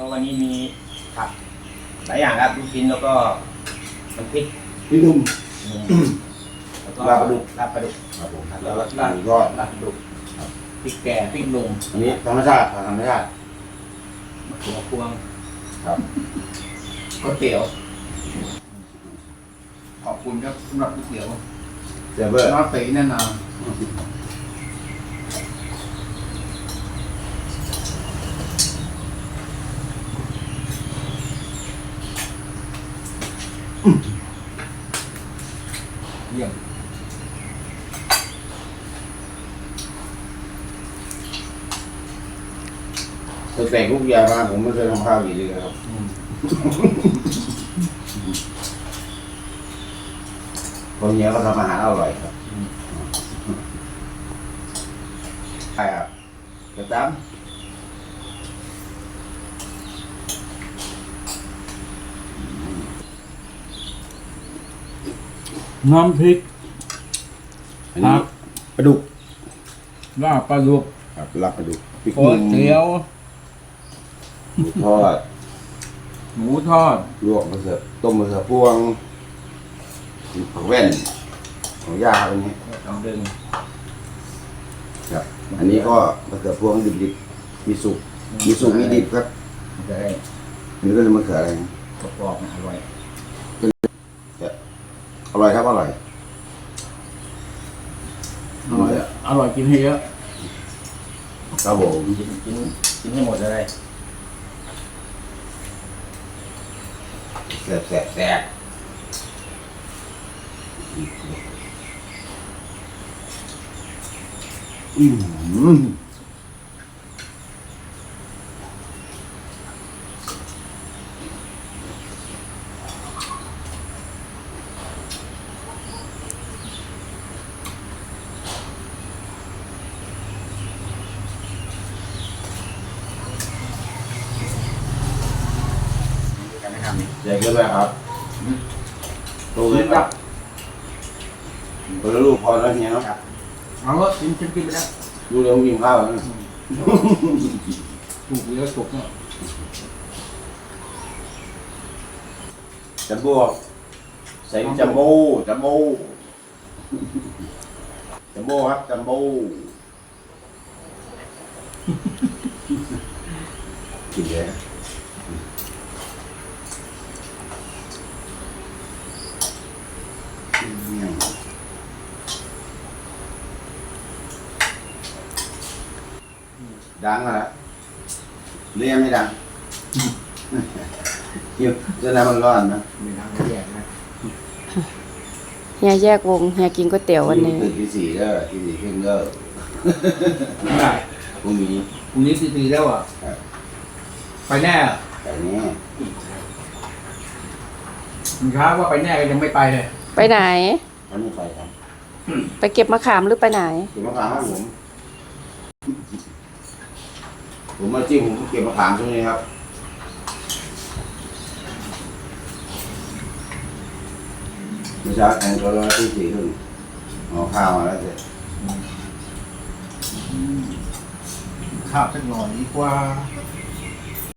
วันนี้มีผักหลายอย่างครับลูกชิ้นแล้วก็น้ำพริกพี่หนุ่มแล้วก็ลาบปลาดุกลาบปลาดุกครับผมแล้วก็ลาบทอดลาบปลาดุกพริกแกงพริกหนุ่มอันนี้ธรรมชาติธรรมชาติมะเขือพวงครับก๋วยเตี๋ยวขอบคุณครับสำหรับก๋วยเตี๋ยวเซเวอร์น้องตีแน่นอนเยี่ยมตั้งแต่ลูกยามาผมไม่เคยทำข้าวกินเลยครับคนเนี้ยก็ทำอาหารอร่อยครับใช่ครับกระตั้มน้ำพริกอันนี้ปลาดุกลาบปลาดุกครับลาบปลาดุกพริกก๋วยเตี๋ยวหมูทอดหมูทอดลวกมะเขือต้มมะเขือพวงผักแว่นของย่าอันนี้ต้องดึงครับอันนี้ก็มะเขือพวงดิบๆมีสุกมีสุกมีดิบครับมันจะได้อันนี้ก็เลยมะเขืออะไรนะกรอบๆนะอร่อยอร่อยครับอร่อยอร่อยอะอร่อยกินให้เยอะครับผมกินให้หมดเลยแซ่บแซ่บแซ่บการไม่ทำนี่ใหญ่เกินไปครับโตเลยครับคนละลูกพอแล้วเนี่ยเนาะเอาละกินไปแล้วดูเร็วกินข้าวนะถูกเยอะถูกเนาะจัมโบ้ใส่จัมโบ้จัมโบ้จัมโบ้ครับจัมโบ้กินเลยดังแล้วเรียกไม่ดังอยู่จะน้ำมันร้อนนะมีน้ำแยกนะเฮียแยกวงเฮียกินก๋วยเตี๋ยววันนี้ตื่นที่สี่ก็ที่สี่ครึ่งก็ได้พรุ่งนี้พรุ่งนี้ตีแล้วอ่ะไปแน่แต่นี้มันช้าว่าไปแน่ก็ยังไม่ไปเลยไปไหนวันนี้ไปครับไปเก็บมะขามหรือไปไหนเก็บมะขามครับผมมาจิ้มผมเก็บมะขามช่วงนี้ครับเมื่อเช้าแข่งตัวละที่สี่ครึ่งเอาข้าวมาแล้วเสร็จข้าวสักหน่อยดีกว่า